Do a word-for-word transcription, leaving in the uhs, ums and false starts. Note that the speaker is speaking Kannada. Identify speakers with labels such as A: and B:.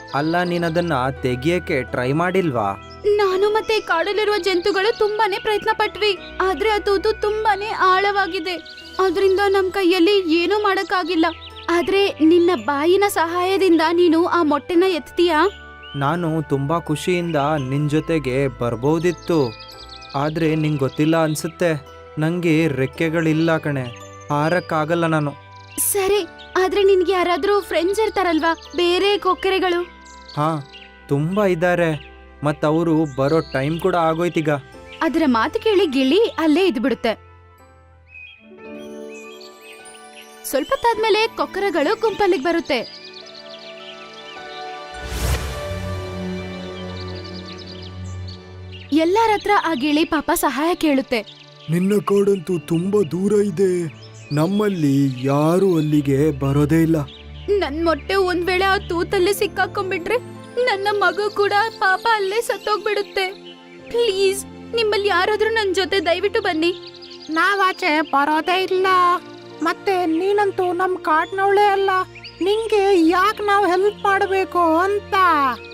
A: ಅಲ್ಲ ನೀನದನ್ನ ತೆಗಿಯಕ್ಕೆ ಟ್ರೈ ಮಾಡಿಲ್ವಾ?
B: ನಾನು ಮತ್ತೆ ಕಾಡಲ್ಲಿರುವ ಜಂತುಗಳು ತುಂಬಾನೇ ಪ್ರಯತ್ನ ಪಟ್ವಿ, ಆದ್ರೆ ಆ ತೂತು ತುಂಬಾನೇ ಆಳವಾಗಿದೆ. ಅದರಿಂದ ನಮ್ ಕೈಯಲ್ಲಿ ಏನೂ ಮಾಡಕ್ಕಾಗಿಲ್ಲ. ಆದ್ರೆ ನಿನ್ನ ಬಾಯಿನ ಸಹಾಯದಿಂದ ನೀನು ಆ ಮೊಟ್ಟೆನ ಎತ್ತೀಯಾ?
A: ನಾನು ತುಂಬಾ ಖುಷಿಯಿಂದ ನಿನ್ ಜೊತೆಗೆ ಬರ್ಬೋದಿತ್ತು, ಆದ್ರೆ ನಿಂಗೆ ಗೊತ್ತಿಲ್ಲ ಅನ್ಸುತ್ತೆ, ನಂಗೆ ರೆಕ್ಕೆಗಳಿಲ್ಲ ಕಣೆ, ಹಾರಕ್ಕಾಗಲ್ಲ ನಾನು.
B: ಸರಿ, ಆದ್ರೆ ನಿನ್ಗೆ ಯಾರಾದ್ರೂ ಫ್ರೆಂಡ್ಸ್ ಇರ್ತಾರಲ್ವಾ, ಬೇರೆ ಕೊಕ್ಕರೆಗಳು?
A: ಹಾ, ತುಂಬಾ ಇದ್ದಾರೆ, ಮತ್ತವರು ಬರೋ ಟೈಮ್ ಕೂಡ ಆಗೋಯ್ತೀಗ.
B: ಅದರ ಮಾತು ಕೇಳಿ ಗಿಳಿ ಅಲ್ಲೇ ಇದ್ಬಿಡುತ್ತೆ. ಸ್ವಲ್ಪ ತಾದ್ಮೇಲೆ ಕೊಕ್ಕರಗಳು ಗುಂಪಲ್ಲಿಗೆ ಬರುತ್ತೆ. ಎಲ್ಲರ ಹತ್ರ ಆ ಗಿಳಿ ಪಾಪ ಸಹಾಯ ಕೇಳುತ್ತೆ.
A: ನಿನ್ನ ಕಾಡಂತೂ ತುಂಬಾ ದೂರ ಇದೆ, ನಮ್ಮಲ್ಲಿ ಯಾರು ಅಲ್ಲಿಗೆ ಬರೋದೇ ಇಲ್ಲ.
B: ನನ್ ಮೊಟ್ಟೆ ಒಂದ್ ವೇಳೆ ಆ ತೂತಲ್ಲಿ ಸಿಕ್ಕಾಕೊಂಡ್ಬಿಟ್ರೆ ನನ್ನ ಮಗು ಕೂಡ ಪಾಪ ಅಲ್ಲೇ ಸತ್ತೋಗ್ಬಿಡುತ್ತೆ. ಪ್ಲೀಸ್, ನಿಮ್ಮಲ್ಲಿ ಯಾರಾದ್ರೂ ನನ್ ಜೊತೆ ದಯವಿಟ್ಟು ಬನ್ನಿ.
C: ನಾವಾಚೆ ಬರೋದೇ ಇಲ್ಲ, ಮತ್ತೆ ನೀನಂತೂ ನಮ್ ಕಾಡ್ನವಳೇ ಅಲ್ಲ, ನಿಂಗೆ ಯಾಕೆ ನಾವು ಹೆಲ್ಪ್ ಮಾಡಬೇಕು ಅಂತ.